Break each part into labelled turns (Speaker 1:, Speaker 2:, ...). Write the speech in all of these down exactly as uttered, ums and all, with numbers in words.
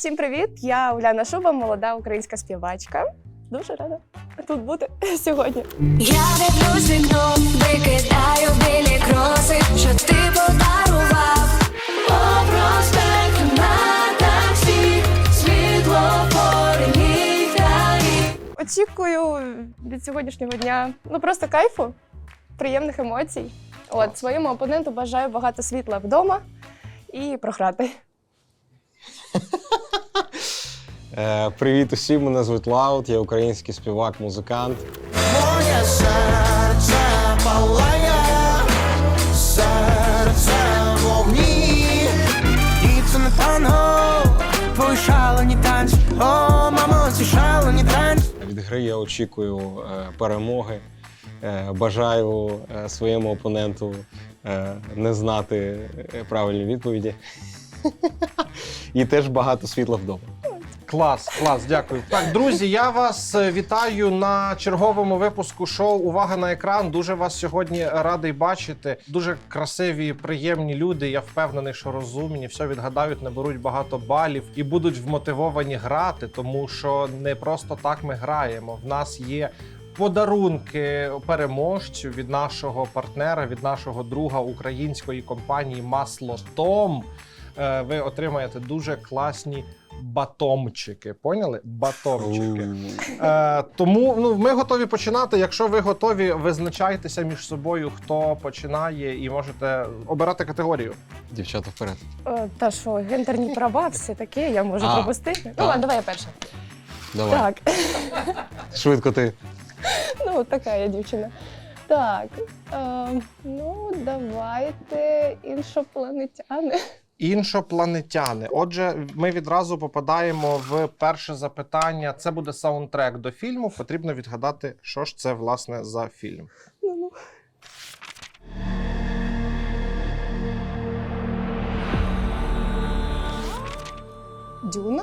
Speaker 1: Всім привіт! Я Уляна Шуба, молода українська співачка. Дуже рада тут бути сьогодні.
Speaker 2: Я дивлюсь вікно, викидаю білі кроси, що ти подарував. По проспекту на таксі, світлофори, ліхтарі.
Speaker 1: Очікую від сьогоднішнього дня ну просто кайфу, приємних емоцій. От своєму опоненту бажаю багато світла вдома і програти.
Speaker 3: Е, Привіт усім, мене звуть Лаут, я український співак, музикант.
Speaker 4: Моє серце палає, серце в вогні. І це не танго, твої шалені танці. О, мамо, ці шалені танці.
Speaker 3: Від гри я очікую е, перемоги, е, бажаю е, своєму опоненту е, не знати е, правильні відповіді. І теж багато світла вдома.
Speaker 5: Клас, клас, дякую. Так, друзі, я вас вітаю на черговому випуску шоу «Увага на екран». Дуже вас сьогодні радий бачити. Дуже красиві, приємні люди. Я впевнений, що розумні, все відгадають, наберуть багато балів і будуть вмотивовані грати, тому що не просто так ми граємо. В нас є подарунки переможцю від нашого партнера, від нашого друга української компанії «Маслотом». Ви отримаєте дуже класні батомчики. Поняли? Батомчики. Е, тому ну, ми готові починати. Якщо ви готові, визначайтеся між собою, хто починає, і можете обирати категорію.
Speaker 3: Дівчата, вперед.
Speaker 1: О, та що, гендерні права, все таке, я можу
Speaker 3: А,
Speaker 1: пропустити. Ну
Speaker 3: так.
Speaker 1: ладно, давай я перша.
Speaker 3: Давай.
Speaker 1: Так,
Speaker 3: Швидко ти.
Speaker 1: ну така я дівчина. Так, е, ну давайте іншопланетяни.
Speaker 5: Іншопланетяни. Отже, ми відразу попадаємо в перше запитання. Це буде саундтрек до фільму. Потрібно відгадати, що ж це, власне, за фільм.
Speaker 1: Ну-ну. Дюна?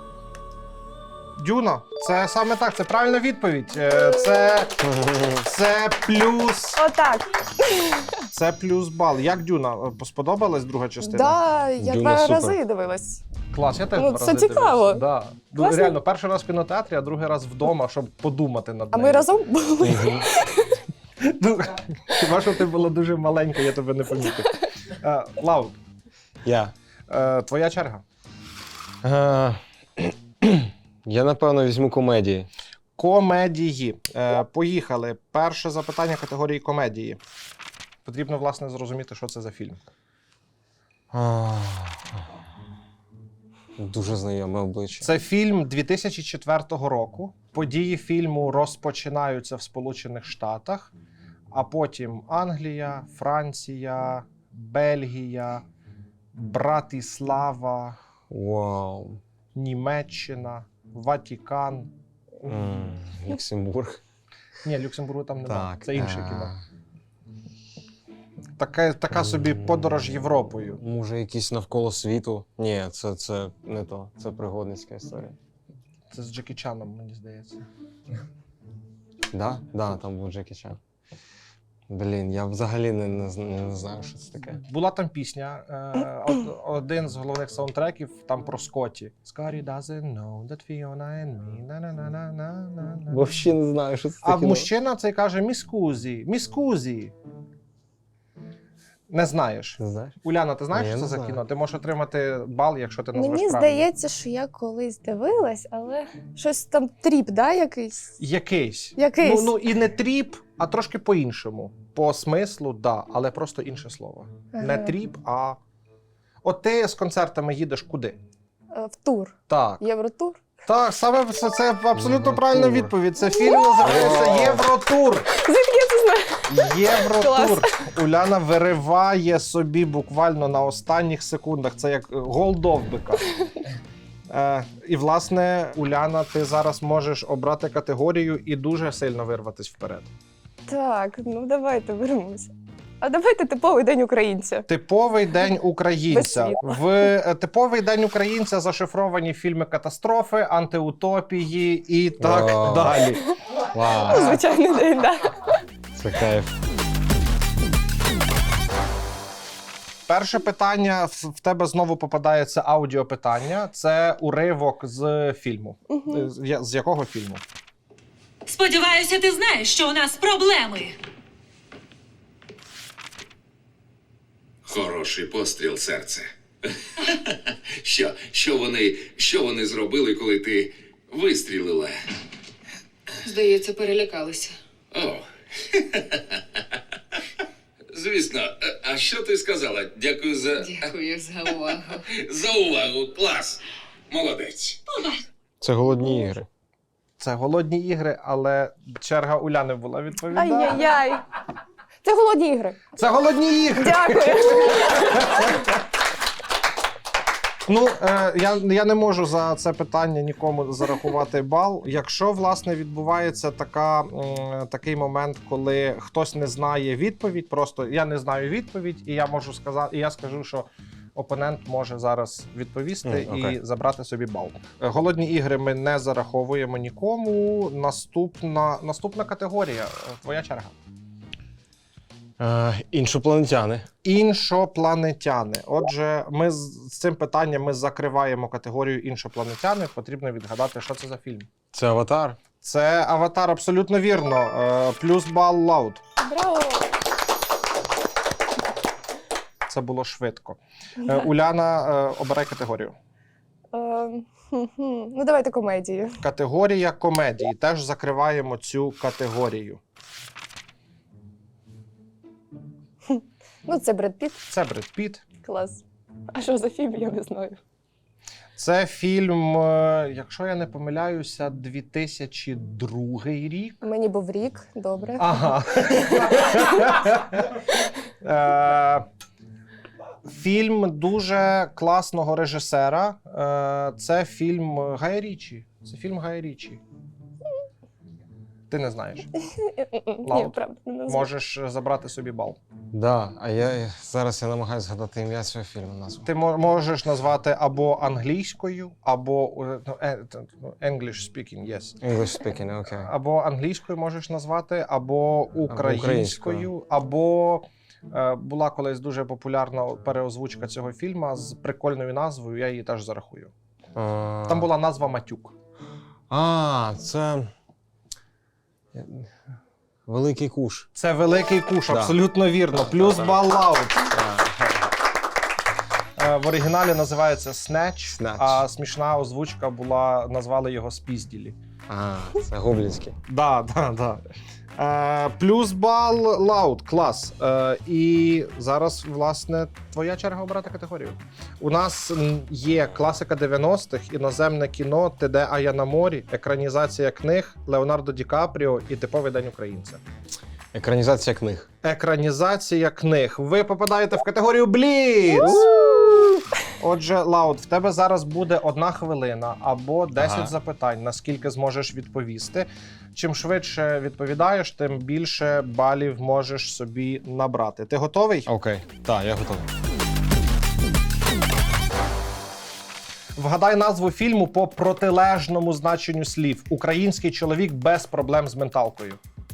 Speaker 5: Дюна. Це саме так, це правильна відповідь. Е, Це, це плюс...
Speaker 1: Отак.
Speaker 5: Це плюс бал. Як Дюна? Сподобалась друга частина?
Speaker 1: Да, я
Speaker 3: Дюна
Speaker 1: два
Speaker 3: супер.
Speaker 1: рази дивилась.
Speaker 5: Клас, я теж
Speaker 1: Ну,
Speaker 5: два
Speaker 1: це
Speaker 5: рази
Speaker 1: цікаво.
Speaker 5: дивився. Да. Ну,
Speaker 1: Класно.
Speaker 5: реально, перший раз в кінотеатрі, а другий раз вдома, щоб подумати над
Speaker 1: А
Speaker 5: нею.
Speaker 1: ми разом були.
Speaker 5: Ну, хіба що ти була дуже маленька, я тебе не помітив. Е, Лаут,
Speaker 3: Я.
Speaker 5: е, твоя черга.
Speaker 3: Е, Я, напевно, візьму комедії.
Speaker 5: Комедії. Е, поїхали. Перше запитання категорії комедії. Потрібно, власне, зрозуміти, що це за фільм.
Speaker 3: А, Дуже знайоме обличчя.
Speaker 5: Це фільм дві тисячі четвертого року. Події фільму розпочинаються в Сполучених Штатах, а потім Англія, Франція, Бельгія, Братислава,
Speaker 3: Вау.
Speaker 5: Німеччина, Ватикан.
Speaker 3: М, Люксембург.
Speaker 5: Ні, Люксембургу там немає.
Speaker 3: Так.
Speaker 5: Це інше
Speaker 3: е,
Speaker 5: кіно. Така, така собі подорож Європою.
Speaker 3: Може, якісь навколо світу? Ні, це, це не то. Це пригодницька історія.
Speaker 5: Це з Джекі Чаном, мені здається.
Speaker 3: Да? Да, там був Джекі Чан. Блін, я взагалі не, не, зн- не знаю, що це таке.
Speaker 5: Була там пісня, е, од- один з головних саундтреків там про Скотті. Scotty doesn't know that Fiona and me, на-на-на-на-на-на.
Speaker 3: Взагалі не знаю, що це
Speaker 5: А
Speaker 3: таке.
Speaker 5: мужчина цей каже міскузі, міскузі. Не знаєш.
Speaker 3: Не знаєш?
Speaker 5: Уляна, ти знаєш,
Speaker 3: Ні,
Speaker 5: що
Speaker 3: я
Speaker 5: це
Speaker 3: не
Speaker 5: за
Speaker 3: знаю.
Speaker 5: кіно? Ти можеш отримати бал, якщо ти назвеш
Speaker 1: Мені
Speaker 5: правильно.
Speaker 1: здається, що я колись дивилась, але щось там тріп, да, якийсь?
Speaker 5: Якийсь.
Speaker 1: Якийсь.
Speaker 5: Ну, ну і не тріп, а трошки по-іншому. По смислу, да, але просто інше слово. Не
Speaker 1: Ага.
Speaker 5: тріп, а. От ти з концертами їдеш куди?
Speaker 1: Е, В тур.
Speaker 5: Так.
Speaker 1: Євротур.
Speaker 5: Так, саме це, це абсолютно
Speaker 3: Євротур.
Speaker 5: правильна відповідь. Це фільм називається «Євротур».
Speaker 1: Звідки я це знаю?
Speaker 5: Євротур. Уляна вириває собі буквально на останніх секундах. Це як гол довбика. Е, і, власне, Уляна, ти зараз можеш обрати категорію і дуже сильно вирватися вперед.
Speaker 1: Так, ну давайте беремося. А давайте типовий день українця.
Speaker 5: Типовий день українця.
Speaker 1: Без
Speaker 5: В е, типовий день українця зашифровані фільми катастрофи, антиутопії і так
Speaker 3: Вау.
Speaker 5: далі.
Speaker 3: Вау,
Speaker 1: Звичайний день, так. Да.
Speaker 3: це кайф.
Speaker 5: Перше питання в в тебе знову попадається аудіопитання. Це уривок з фільму.
Speaker 1: Мгм.
Speaker 5: З, я- з якого фільму?
Speaker 6: Сподіваюся, ти знаєш, що у нас проблеми.
Speaker 7: Хороший постріл, серце. Що, що вони, що вони зробили, коли ти вистрілила?
Speaker 6: Здається, перелякалися.
Speaker 7: О. Звісно, а- а що ти сказала? Дякую за,
Speaker 6: Дякую за увагу.
Speaker 7: за увагу. Клас. Молодець.
Speaker 3: Це голодні ігри.
Speaker 5: Це голодні ігри, але черга Уляни була відповідати.
Speaker 1: Ай-яй-яй. Це голодні ігри.
Speaker 5: Це голодні ігри!
Speaker 1: Дякую.
Speaker 5: Ну, е, я, я не можу за це питання нікому зарахувати бал. Якщо, власне, відбувається така, м, такий момент, коли хтось не знає відповідь, просто я не знаю відповідь, і я можу сказати, і я скажу, що опонент може зараз відповісти
Speaker 3: М, окей.
Speaker 5: і забрати собі бал. Е, Голодні ігри ми не зараховуємо нікому. Наступна, наступна категорія. Е, Твоя черга.
Speaker 3: Е, іншопланетяни.
Speaker 5: Іншопланетяни. Отже, ми з з цим питанням ми закриваємо категорію іншопланетяни. Потрібно відгадати, що це за фільм.
Speaker 3: Це аватар.
Speaker 5: Це Аватар, абсолютно вірно. Е, Плюс бал Лауд.
Speaker 1: Браво.
Speaker 5: Це було швидко. Е, Уляна, е, обирай категорію.
Speaker 1: Е, хм-хм. Ну, давайте комедію.
Speaker 5: Категорія комедії. Теж закриваємо цю категорію.
Speaker 1: Ну, це Бред Піт.
Speaker 5: Це Бред Піт.
Speaker 1: Клас. А що за фільм, я не знаю.
Speaker 5: Це фільм, е, якщо я не помиляюся, дві тисячі другий рік.
Speaker 1: Мені був рік, добре.
Speaker 5: Ага. Е, Фільм дуже класного режисера. Е, Це фільм Гая Річі. Це фільм Гая Річі. Ти не знаєш.
Speaker 1: Ні,
Speaker 5: Лауд.
Speaker 1: правда, не знаю.
Speaker 5: Можеш забрати собі бал.
Speaker 3: Да, а я зараз я намагаюся згадати ім'я цього фільму назву.
Speaker 5: Ти мо- можеш назвати або англійською, або е, ну, е, т- ну, English speaking, yes.
Speaker 3: English speaking, окей.
Speaker 5: Або англійською можеш назвати, або українською,
Speaker 3: українською.
Speaker 5: або е, була колись дуже популярна переозвучка цього фільму з прикольною назвою, я її теж зарахую.
Speaker 3: А,
Speaker 5: Там була назва Матюк.
Speaker 3: А, це. Великий куш.
Speaker 5: Це великий куш,
Speaker 3: Да.
Speaker 5: абсолютно вірно. Плюс
Speaker 3: Так.
Speaker 5: бал Лауд.
Speaker 3: Так.
Speaker 5: Е, В оригіналі називається Snatch,
Speaker 3: Snatch.
Speaker 5: а смішна озвучка була, назвали його Спізділі.
Speaker 3: А, це гоблінський.
Speaker 5: Да, да, да. Е, плюс бал Лауд, клас. Е, і зараз, власне, твоя черга обрати категорію. У нас м, є класика дев'яностих, іноземне кіно, Ти де, а я на морі, екранізація книг, Леонардо Ді Капріо і типовий день українця.
Speaker 3: Екранізація книг.
Speaker 5: Екранізація книг. Ви попадаєте в категорію Бліц! Отже, Лауд, в тебе зараз буде одна хвилина або десять
Speaker 3: Ага.
Speaker 5: запитань, наскільки зможеш відповісти. Чим швидше відповідаєш, тим більше балів можеш собі набрати. Ти готовий?
Speaker 3: Окей. Так, я готовий.
Speaker 5: Вгадай назву фільму по протилежному значенню слів. Український чоловік без проблем з менталкою.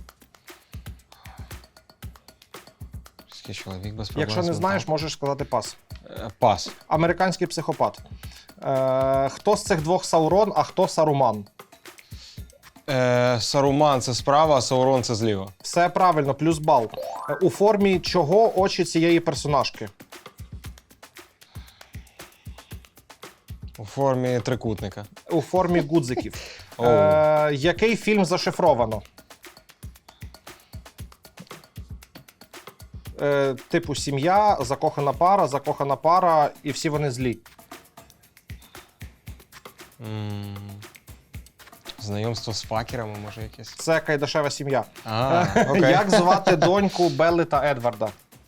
Speaker 3: Український чоловік без проблем.
Speaker 5: Якщо
Speaker 3: з
Speaker 5: не знаєш,
Speaker 3: менталкою.
Speaker 5: можеш сказати пас.
Speaker 3: Е, Пас.
Speaker 5: Американський психопат. Е, хто з цих двох Саурон, а хто Саруман?
Speaker 3: Е, Саруман це справа, а Саурон це зліва.
Speaker 5: Все правильно, плюс бал. Е, У формі чого очі цієї персонажки?
Speaker 3: У формі трикутника.
Speaker 5: У формі гудзиків.
Speaker 3: Оу.
Speaker 5: Е, який фільм зашифровано? Е, типу сім'я, закохана пара, закохана пара, і всі вони злі.
Speaker 3: М, Знайомство з факерами, може якесь.
Speaker 5: Це Кайдашева сім'я.
Speaker 3: А, окей.
Speaker 5: Як звати доньку Белли та Едварда?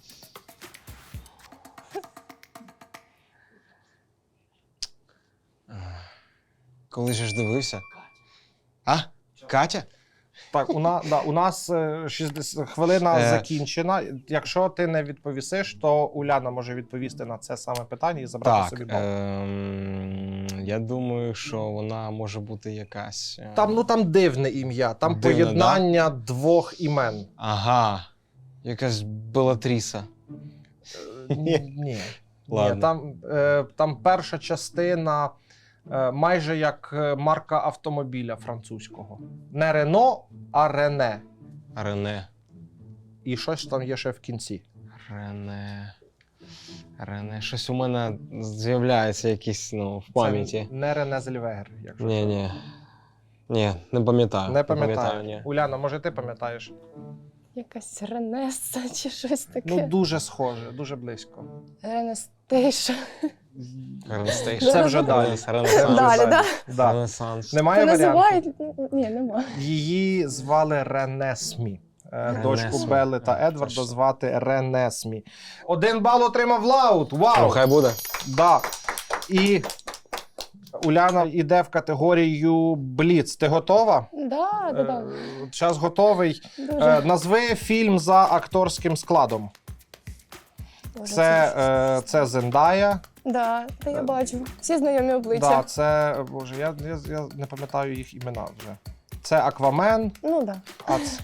Speaker 3: Коли же ж дивився? А? Катя?
Speaker 5: Так, у, на, да, у нас е, шістдесят хвилина
Speaker 3: Е.
Speaker 5: закінчена. Якщо ти не відповісиш, то Уляна може відповісти на це саме питання і забрати
Speaker 3: Так.
Speaker 5: собі бал.
Speaker 3: Ем, я думаю, що вона може бути якась. е,
Speaker 5: Там, ну, там дивне ім'я, там
Speaker 3: Дивне,
Speaker 5: поєднання двох імен.
Speaker 3: Ага. Якась Белатріса.
Speaker 5: Ні. Ні.
Speaker 3: Ладно.
Speaker 5: Там, е, там перша частина е, майже як е, марка автомобіля французького. Не Рено, а Рене.
Speaker 3: Рене.
Speaker 5: І щось там є ще в кінці.
Speaker 3: Рене. Рене. Щось у мене з'являється якісь, ну, в пам'яті.
Speaker 5: Це не Рене Зельвегер, якщо.
Speaker 3: Ні, ні. Ні, не пам'ятаю.
Speaker 5: Не пам'ятаю.
Speaker 3: ні.
Speaker 5: Уляна, може ти пам'ятаєш?
Speaker 1: Якась Ренеса чи щось таке.
Speaker 5: Ну, дуже схоже, дуже близько.
Speaker 1: Ренестейшн.
Speaker 3: Ренестейшн.
Speaker 5: Це вже далі.
Speaker 3: Ренес-
Speaker 5: Це
Speaker 3: Ренесанс.
Speaker 5: вже
Speaker 1: Далі, да?
Speaker 5: Да.
Speaker 3: Ренесанс.
Speaker 5: Немає
Speaker 1: Це
Speaker 5: варіантів.
Speaker 1: називають? Ні, нема.
Speaker 5: Її звали Ренесмі. Е, Дочку
Speaker 3: Ренесмі.
Speaker 5: Белли та
Speaker 3: А,
Speaker 5: Едварда
Speaker 3: точно.
Speaker 5: звати Ренесмі. Один бал отримав Лаут.
Speaker 3: Ну,
Speaker 5: Вау!
Speaker 3: хай буде.
Speaker 5: Да. І Уляна йде в категорію Бліц. Ти готова?
Speaker 1: Да, да, да.
Speaker 5: Час готовий. Е,
Speaker 1: Дуже.
Speaker 5: Назви фільм за акторським складом.
Speaker 1: Боже,
Speaker 5: Це, е, це Зендая.
Speaker 1: Да, та я бачу. Всі знайомі
Speaker 5: Да,
Speaker 1: обличчя.
Speaker 5: це, боже, я, я, я не пам'ятаю їх імена вже. Це Аквамен.
Speaker 1: Ну да.
Speaker 5: А це...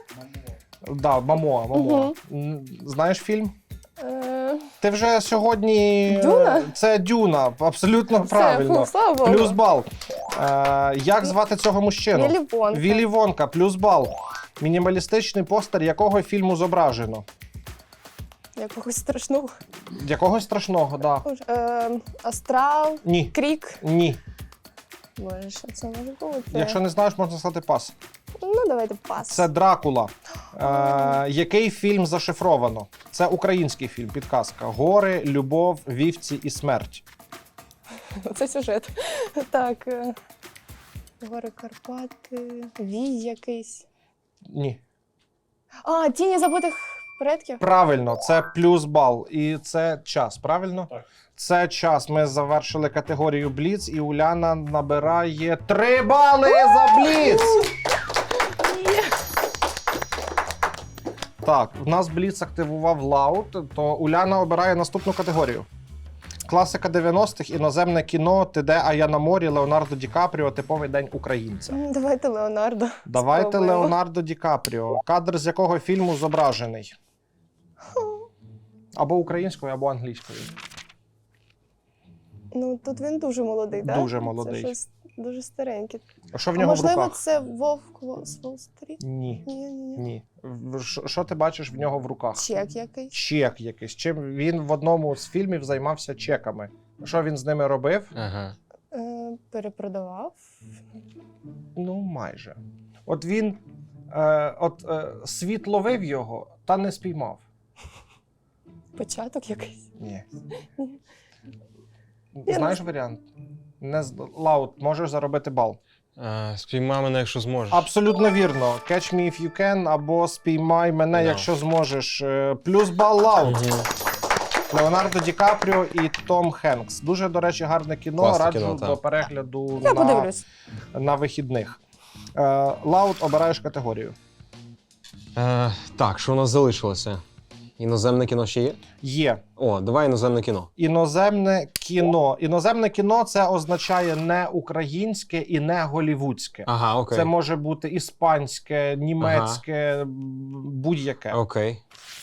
Speaker 5: Да, Мамоа, Мамоа.
Speaker 1: Мгм.
Speaker 5: М, Знаєш фільм?
Speaker 1: Е,
Speaker 5: Ти вже сьогодні.
Speaker 1: Дюна?
Speaker 5: Це Дюна, абсолютно
Speaker 1: Все,
Speaker 5: правильно.
Speaker 1: фу, слава Богу.
Speaker 5: Плюс бал. Е, як звати цього мужчину?
Speaker 1: Віллі Вонка.
Speaker 5: Віллі Вонка, плюс бал. Мінімалістичний постер якого фільму зображено?
Speaker 1: Якогось страшного.
Speaker 5: Якогось страшного, так. Да.
Speaker 1: Боже, Е, Астрал,
Speaker 5: Ні.
Speaker 1: Крік.
Speaker 5: Ні.
Speaker 1: Боже, що це може бути?
Speaker 5: Якщо не знаєш, можна сказати пас.
Speaker 1: Ну, давайте пас.
Speaker 5: Це Дракула. Е, який фільм зашифровано? Це український фільм, підказка. Гори, любов, вівці і смерть.
Speaker 1: Це сюжет. Так. е, Гори Карпати, Вій якийсь.
Speaker 5: Ні.
Speaker 1: А, Тіні забутих предків.
Speaker 5: Правильно, це плюс бал. І це час, правильно? Так. Це час. Ми завершили категорію Бліц, і Уляна набирає три бали за Бліц! Так, в нас Бліц активував Лаут, то Уляна обирає наступну категорію. Класика дев'яностих, іноземне кіно, Ти де, а я на морі, Леонардо Ді Капріо, типовий день українця.
Speaker 1: М, Давайте Леонардо.
Speaker 5: Давайте
Speaker 1: Спробуємо.
Speaker 5: Леонардо Ді Капріо. Кадр з якого фільму зображений? Або українською, або англійською.
Speaker 1: Ну, тут він дуже молодий, так?
Speaker 5: Дуже молодий.
Speaker 1: Це щось дуже стареньке.
Speaker 5: А що в
Speaker 1: А
Speaker 5: нього в
Speaker 1: можливо,
Speaker 5: руках?
Speaker 1: це Вовк Вол- з Уолл-стріт?
Speaker 5: Ні.
Speaker 1: Ні, ні, ні.
Speaker 5: Ні. В- Що що ти бачиш в нього в руках?
Speaker 1: Чек якийсь.
Speaker 5: Чек якийсь. Чим він в одному з фільмів займався чеками. Що він з ними робив?
Speaker 3: Ага.
Speaker 1: Е, перепродавав.
Speaker 5: Ну, майже. От він е, от, е, світ ловив його, та не спіймав.
Speaker 1: Початок якийсь.
Speaker 5: Ні.
Speaker 1: Я
Speaker 5: Знаєш варіант? Не з- Лаут, можеш заробити бал.
Speaker 3: Е, Спіймай мене, якщо зможеш.
Speaker 5: Абсолютно вірно. Catch me if you can або спіймай мене,
Speaker 3: No.
Speaker 5: якщо зможеш. Е, Плюс бал Лаут.
Speaker 3: Мгм.
Speaker 5: Леонардо Ді Капріо і Том Хенкс. Дуже, до речі, гарне кіно.
Speaker 3: Класне
Speaker 5: Раджу
Speaker 3: кіно, так.
Speaker 5: до перегляду
Speaker 1: Я
Speaker 5: на,
Speaker 1: подивлюсь.
Speaker 5: на вихідних. Е, Лаут, обираєш категорію.
Speaker 3: Е, так, що у нас залишилося? Іноземне кіно ще є?
Speaker 5: Є.
Speaker 3: О, давай іноземне кіно.
Speaker 5: Іноземне кіно. Іноземне кіно це означає не українське і не голівудське.
Speaker 3: Ага, окей.
Speaker 5: Це може бути іспанське, німецьке, м, будь-яке.
Speaker 3: Окей.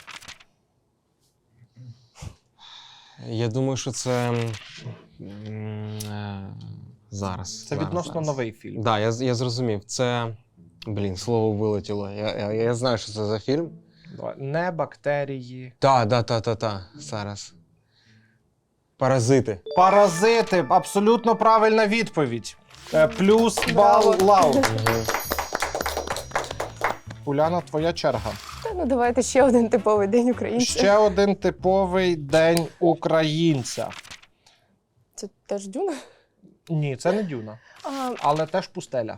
Speaker 3: Я думаю, що це. м, е, Зараз.
Speaker 5: Це
Speaker 3: зараз,
Speaker 5: відносно
Speaker 3: зараз.
Speaker 5: новий фільм.
Speaker 3: Так, да, я, з- я зрозумів. Це. Блін, слово вилетіло. Я, я, я знаю, що це за фільм.
Speaker 5: Давай. Не бактерії.
Speaker 3: Так, так, так, так, так. Зараз. Паразити.
Speaker 5: Паразити. Абсолютно правильна відповідь. Е, Плюс бал
Speaker 1: Браво.
Speaker 5: Лаут.
Speaker 3: Угу.
Speaker 5: Уляна, твоя черга.
Speaker 1: Та ну давайте ще один типовий день українця.
Speaker 5: Ще один типовий день українця.
Speaker 1: Це теж Дюна?
Speaker 5: Ні, це не Дюна,
Speaker 1: А,
Speaker 5: але теж пустеля.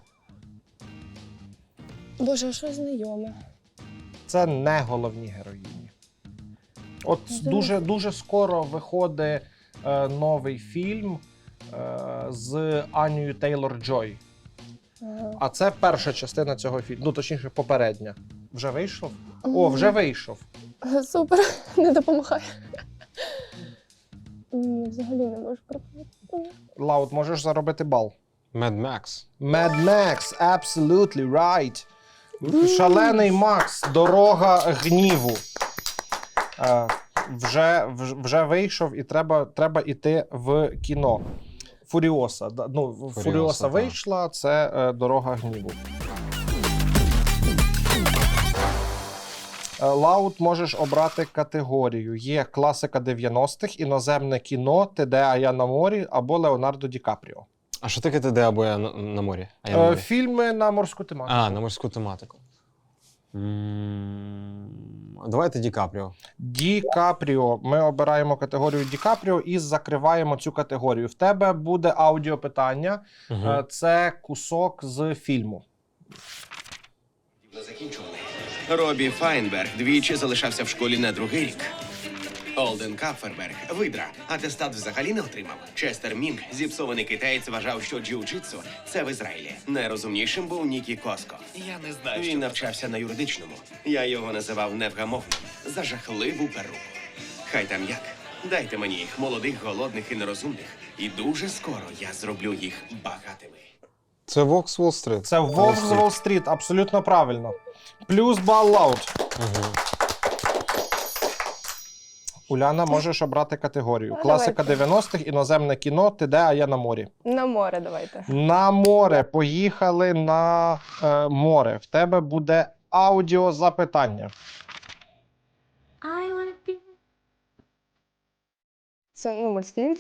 Speaker 1: Боже, а що знайоме?
Speaker 5: Це не головні героїні. От
Speaker 1: Можливо.
Speaker 5: дуже, дуже скоро виходить е, новий фільм е, з Анією Тейлор-Джой.
Speaker 1: Ага.
Speaker 5: А це перша частина цього фільму. Ну, точніше, попередня. Вже вийшов? О, вже вийшов.
Speaker 1: Супер, не допомагає. Ні, взагалі не можу пропустити.
Speaker 5: Лаут, можеш заробити бал.
Speaker 3: Mad Max.
Speaker 5: Mad Max, absolutely right. Шалений Макс, дорога гніву. Е, вже, вже, вже вийшов і треба, треба йти в кіно. Фуріоса. Да, ну, Фуріоса, Фуріоса
Speaker 3: так.
Speaker 5: вийшла, це е, «Дорога гніву». Е, Лаут, можеш обрати категорію. Є класика дев'яностих, іноземне кіно, «Ти де, а я на морі» або Леонардо Ді Капріо.
Speaker 3: А що таке ти де або я на, на морі? А я на
Speaker 5: Е,
Speaker 3: морі.
Speaker 5: фільми на морську тематику.
Speaker 3: А, на морську тематику. М, Давайте Ді Капріо.
Speaker 5: Ді Капріо. Ми обираємо категорію Ді Капріо і закриваємо цю категорію. В тебе буде аудіопитання.
Speaker 3: Угу.
Speaker 5: Е, Це кусок з фільму.
Speaker 8: Закінчували. Робі Файнберг двічі залишався в школі на другий рік. Олден Капферберг – видра. Атестат взагалі не отримав. Честер Мінг, зіпсований китаєць, вважав, що джиу-джитсу – це в Ізраїлі. Найрозумнішим був Нікі Коско. Я не знаю, Він навчався на юридичному. Я його називав невгамовним. За жахливу перуку. Хай там як. Дайте мені їх, молодих, голодних і нерозумних. І дуже скоро я зроблю їх багатими.
Speaker 3: Це Вокс Уолл-стріт.
Speaker 5: Це Вовк з Уолл-стріт. Абсолютно правильно. Плюс бал Лаут.
Speaker 3: Угу.
Speaker 5: Уляна, можеш обрати категорію.
Speaker 1: Ну,
Speaker 5: Класика
Speaker 1: давайте.
Speaker 5: дев'яностих, іноземне кіно, «Ти де, а я на морі».
Speaker 1: На море давайте.
Speaker 5: На море. Поїхали на е, море. В тебе буде аудіозапитання.
Speaker 1: Це ну, мультфільм.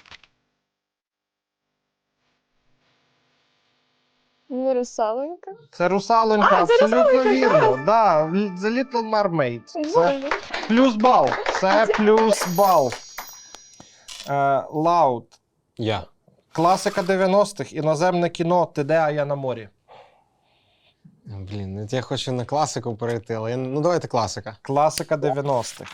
Speaker 1: Ну, русаленька.
Speaker 5: Це «Русалонька»,
Speaker 1: А, це
Speaker 5: абсолютно
Speaker 1: «Русалонька»,
Speaker 5: вірно. Да, «The Little Mermaid». Це
Speaker 1: Боже.
Speaker 5: плюс бал. Це плюс бал. Е, Лаут.
Speaker 3: Я.
Speaker 5: Класика дев'яностих, іноземне кіно, «Ти де, а я на морі».
Speaker 3: Блін, от я хочу на класику перейти, але я... ну давайте класика.
Speaker 5: Класика дев'яностих.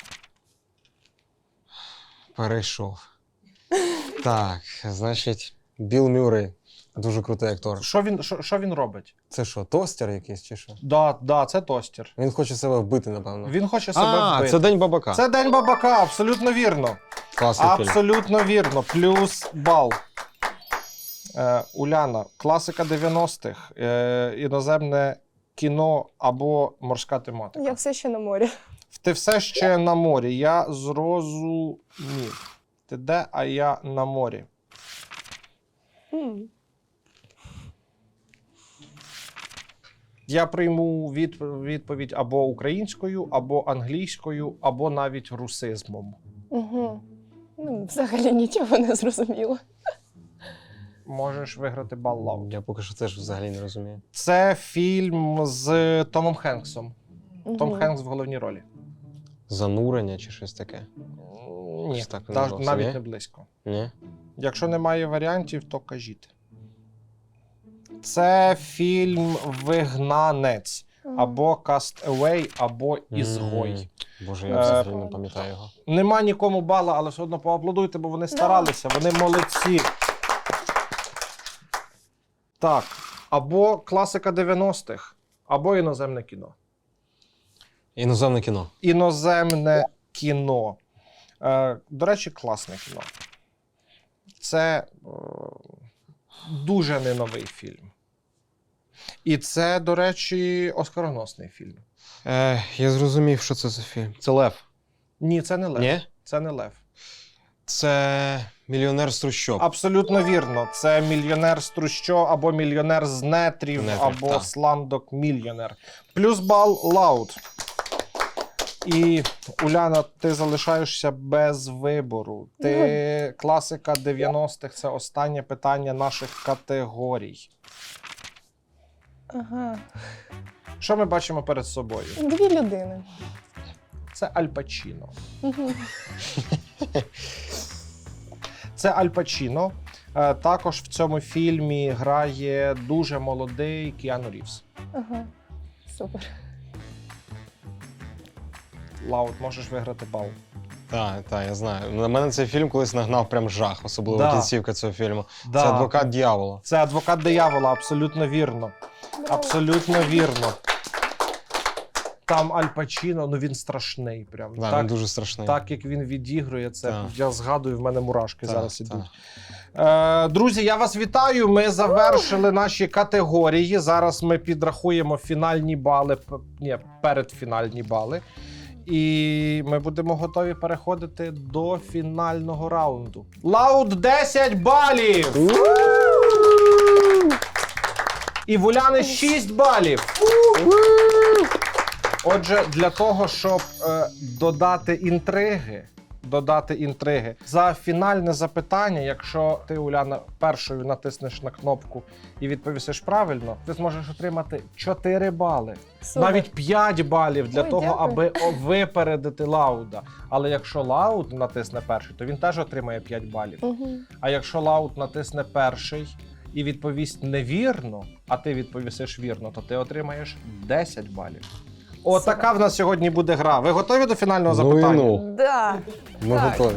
Speaker 3: Перейшов. Так, значить, Білл Мюррей. Дуже крутий актор.
Speaker 5: Що він, що, що він робить?
Speaker 3: Це що, тостер якийсь чи що?
Speaker 5: Да, да, це тостер.
Speaker 3: Він хоче себе вбити, напевно.
Speaker 5: Він хоче себе
Speaker 3: а,
Speaker 5: вбити.
Speaker 3: це День бабака.
Speaker 5: Це День бабака, абсолютно вірно.
Speaker 3: Класний фільм.
Speaker 5: Абсолютно вірно. Плюс бал. Е, Уляна, класика дев'яностих, е, іноземне кіно або морська тематика.
Speaker 1: Я все ще на морі.
Speaker 5: Ти все ще на морі. Я зрозумів. Ти де, а я на морі.
Speaker 1: М.
Speaker 5: Я прийму від, відповідь або українською, або англійською, або навіть русизмом.
Speaker 1: Угу. Ну, взагалі нічого не зрозуміло.
Speaker 5: Можеш виграти бал Лаут.
Speaker 3: Я поки що теж взагалі не розумію.
Speaker 5: Це фільм з Томом Хенксом. Том
Speaker 1: Мгм.
Speaker 5: Хенкс в головній ролі.
Speaker 3: Занурення чи щось таке?
Speaker 5: Ні,
Speaker 3: Щось так
Speaker 5: та-
Speaker 3: називався,
Speaker 5: навіть
Speaker 3: ні?
Speaker 5: не близько.
Speaker 3: Ні?
Speaker 5: Якщо немає варіантів, то кажіть. Це фільм «Вигнанець» або «Cast Away», або «Ізгой».
Speaker 3: М, Боже, я
Speaker 5: Е,
Speaker 3: взагалі не пам'ятаю його.
Speaker 5: Нема нікому бала, але все одно поаплодуйте, бо вони старалися, вони молодці. Так, або класика дев'яностих, або іноземне кіно.
Speaker 3: Іноземне кіно.
Speaker 5: Іноземне кіно. Е, до речі, класне кіно. Це е, дуже не новий фільм. І це, до речі, оскароносний фільм.
Speaker 3: Е, я зрозумів, що це за фільм. Це Лев.
Speaker 5: Ні, це не Лев.
Speaker 3: Ні?
Speaker 5: Це не Лев.
Speaker 3: Це мільйонер з трущоб.
Speaker 5: Абсолютно вірно. Це мільйонер з трущоб, або мільйонер з нетрів,
Speaker 3: Нетрів,
Speaker 5: або
Speaker 3: так.
Speaker 5: сламдок мільйонер. Плюс бал Лаут. І, Уляна, ти залишаєшся без вибору. Ти класика дев'яностих – це останнє питання наших категорій.
Speaker 1: Ага.
Speaker 5: Що ми бачимо перед собою?
Speaker 1: Дві людини.
Speaker 5: Це Аль Пачіно.
Speaker 1: Угу.
Speaker 5: Це Аль Пачіно. Е, Також в цьому фільмі грає дуже молодий Кіану Рівз.
Speaker 1: Ага. Супер.
Speaker 5: Лаут, можеш виграти бал.
Speaker 3: Так, так, я знаю. На мене цей фільм колись нагнав прям жах, особливо
Speaker 5: Да.
Speaker 3: кінцівка цього фільму.
Speaker 5: Да.
Speaker 3: Це адвокат дьявола.
Speaker 5: Це адвокат диявола, абсолютно вірно. Абсолютно вірно. Там Аль Пачіно, ну він страшний. Прям.
Speaker 3: Да,
Speaker 5: так,
Speaker 3: він дуже страшний.
Speaker 5: так як він відігрує, це
Speaker 3: Так.
Speaker 5: я згадую, в мене мурашки
Speaker 3: Так,
Speaker 5: зараз
Speaker 3: так.
Speaker 5: ідуть. Е, друзі, я вас вітаю. Ми завершили наші категорії. Зараз ми підрахуємо фінальні бали, п- ні, передфінальні бали. І ми будемо готові переходити до фінального раунду. Лауд десять балів! І в Уляни шість балів. Отже, для того, щоб е, додати інтриги, додати інтриги, за фінальне запитання, якщо ти, Уляна, першою натиснеш на кнопку і відповісиш правильно, ти зможеш отримати чотири бали.
Speaker 1: Супер.
Speaker 5: Навіть п'ять балів для
Speaker 1: Ой,
Speaker 5: того,
Speaker 1: дякую.
Speaker 5: аби о- випередити Лауда. Але якщо Лауд натисне перший, то він теж отримає п'ять балів.
Speaker 1: Угу.
Speaker 5: А якщо Лауд натисне перший і відповість невірно, а ти відповісиш вірно, то ти отримаєш десять балів. Отака в нас сьогодні буде гра. Ви готові до фінального
Speaker 3: Ну і
Speaker 5: запитання?
Speaker 3: ну,
Speaker 1: Да.
Speaker 3: ми
Speaker 1: Так.
Speaker 3: готові.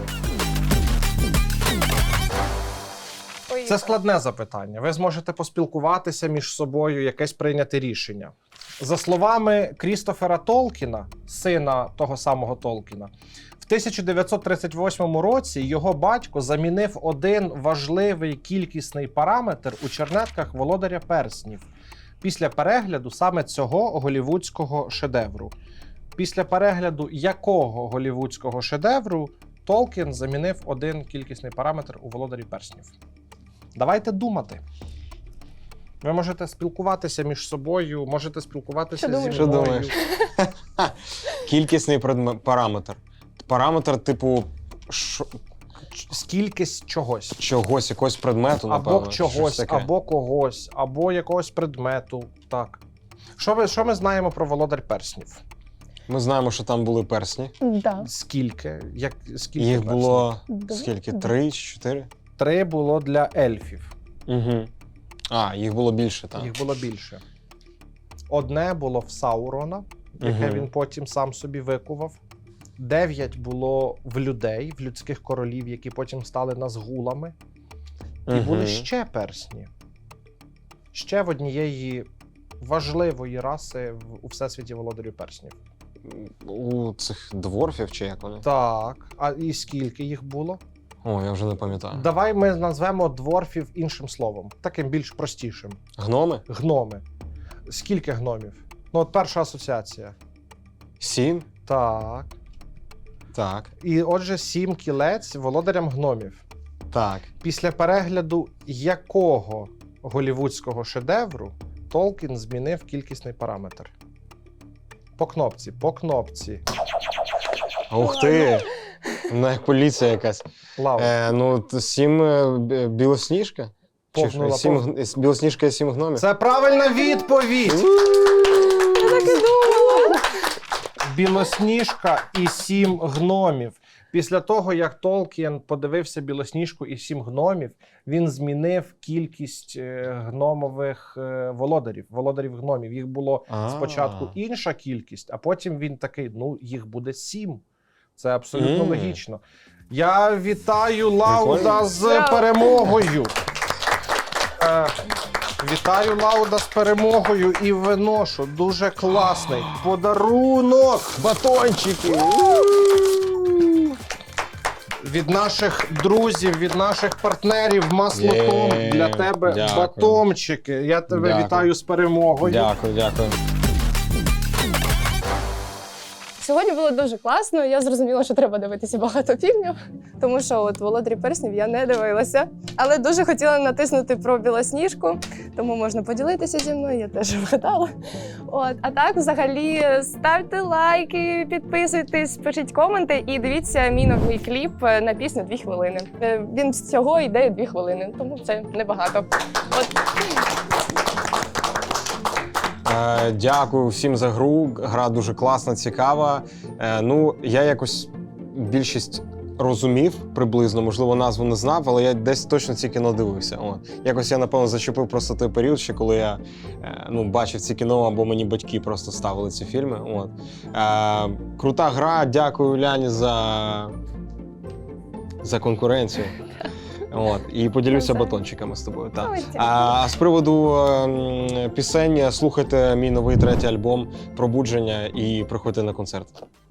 Speaker 1: Поїхали.
Speaker 5: Це складне запитання. Ви зможете поспілкуватися між собою, якесь прийняти рішення. За словами Крістофера Толкіна, сина того самого Толкіна, в тисяча дев'ятсот тридцять восьмому році його батько замінив один важливий кількісний параметр у чернетках Володаря перснів після перегляду саме цього голівудського шедевру. Після перегляду якого голівудського шедевру Толкін замінив один кількісний параметр у Володарі перснів? Давайте думати. Ви можете спілкуватися між собою, можете спілкуватися
Speaker 1: Що
Speaker 5: зі
Speaker 1: думаєш?
Speaker 3: Що
Speaker 5: мною.
Speaker 3: думаєш? Кількісний предме- параметр. Параметр, типу, шо-
Speaker 5: Скількись чогось.
Speaker 3: чогось, якогось предмету, напевно.
Speaker 5: Або
Speaker 3: щось
Speaker 5: чогось,
Speaker 3: таке.
Speaker 5: або когось, або якогось предмету. Так. Що ми, що ми знаємо про Володар перснів?
Speaker 3: Ми знаємо, що там були персні.
Speaker 1: Да.
Speaker 5: Скільки? Як, скільки
Speaker 3: Їх
Speaker 5: перснів?
Speaker 3: було
Speaker 1: Два.
Speaker 3: скільки?
Speaker 1: Два.
Speaker 3: Три чи чотири?
Speaker 5: Три було для ельфів.
Speaker 3: Угу. А, їх було більше, так.
Speaker 5: Їх було більше. Одне було в Саурона, яке
Speaker 3: Мгм.
Speaker 5: він потім сам собі викував. Дев'ять було в людей, в людських королів, які потім стали назгулами. І
Speaker 3: Мгм.
Speaker 5: були ще персні. Ще в однієї важливої раси в- у всесвіті володарів перснів.
Speaker 3: У цих дворфів чи як вони?
Speaker 5: Так, а і скільки їх було?
Speaker 3: О, я вже не пам'ятаю.
Speaker 5: Давай ми назвемо дворфів іншим словом, таким більш простішим.
Speaker 3: Гноми?
Speaker 5: Гноми. Скільки гномів? Ну, от перша асоціація.
Speaker 3: Сім?
Speaker 5: Так.
Speaker 3: Так.
Speaker 5: І отже, сім кілець володарям гномів.
Speaker 3: Так.
Speaker 5: Після перегляду якого голівудського шедевру Толкін змінив кількісний параметр? По кнопці, по кнопці.
Speaker 3: Ух ти! Ну, як поліція якась.
Speaker 5: Лава.
Speaker 3: Е, ну, т- сім е, б- білосніжка? Чи що?
Speaker 5: Повнула,
Speaker 3: Сім,
Speaker 5: пов-
Speaker 3: гн- с- білосніжка і сім гномів?
Speaker 5: Це правильна відповідь!
Speaker 1: Так і думала.
Speaker 5: Білосніжка і сім гномів. Після того, як Толкін подивився Білосніжку і сім гномів, він змінив кількість е, гномових е, володарів, володарів гномів. Їх було
Speaker 3: А.
Speaker 5: спочатку інша кількість, а потім він такий, ну, їх буде сім. Це абсолютно
Speaker 3: Мм.
Speaker 5: логічно. Я вітаю Лауда
Speaker 3: Прикольно.
Speaker 5: з
Speaker 1: Браво.
Speaker 5: перемогою. Е, Вітаю Лауда з перемогою і виношу дуже класний подарунок.
Speaker 3: Батончики!
Speaker 5: Від наших друзів, від наших партнерів Маслотом
Speaker 3: Є,
Speaker 5: для тебе
Speaker 3: дякую.
Speaker 5: батончики. Я тебе
Speaker 3: Дякую.
Speaker 5: вітаю з перемогою.
Speaker 3: Дякую, дякую.
Speaker 1: Сьогодні було дуже класно. Я зрозуміла, що треба дивитися багато фільмів, тому що от «Володарі перснів» я не дивилася. Але дуже хотіла натиснути про Білосніжку, тому можна поділитися зі мною, я теж вгадала. От. А так, взагалі, ставте лайки, підписуйтесь, пишіть коменти і дивіться мій новий кліп на пісню «Дві хвилини». Е, Він всього йде дві хвилини, тому це небагато. От.
Speaker 3: Е, дякую всім за гру. Гра дуже класна, цікава. Е, ну, я якось більшість розумів приблизно, можливо, назву не знав, але я десь точно ці кіно дивився. От. Якось я, напевно, зачепив просто той період, ще коли я е, ну, бачив ці кіно, або мені батьки просто ставили ці фільми. От. Е, крута гра, дякую Ляні за, за конкуренцію. От, і поділюся
Speaker 1: Навзаєм.
Speaker 3: батончиками з тобою. Так.
Speaker 1: Ой, дякую.
Speaker 3: А з приводу ем, пісень, слухайте мій новий третій альбом «Пробудження» і приходьте на концерт.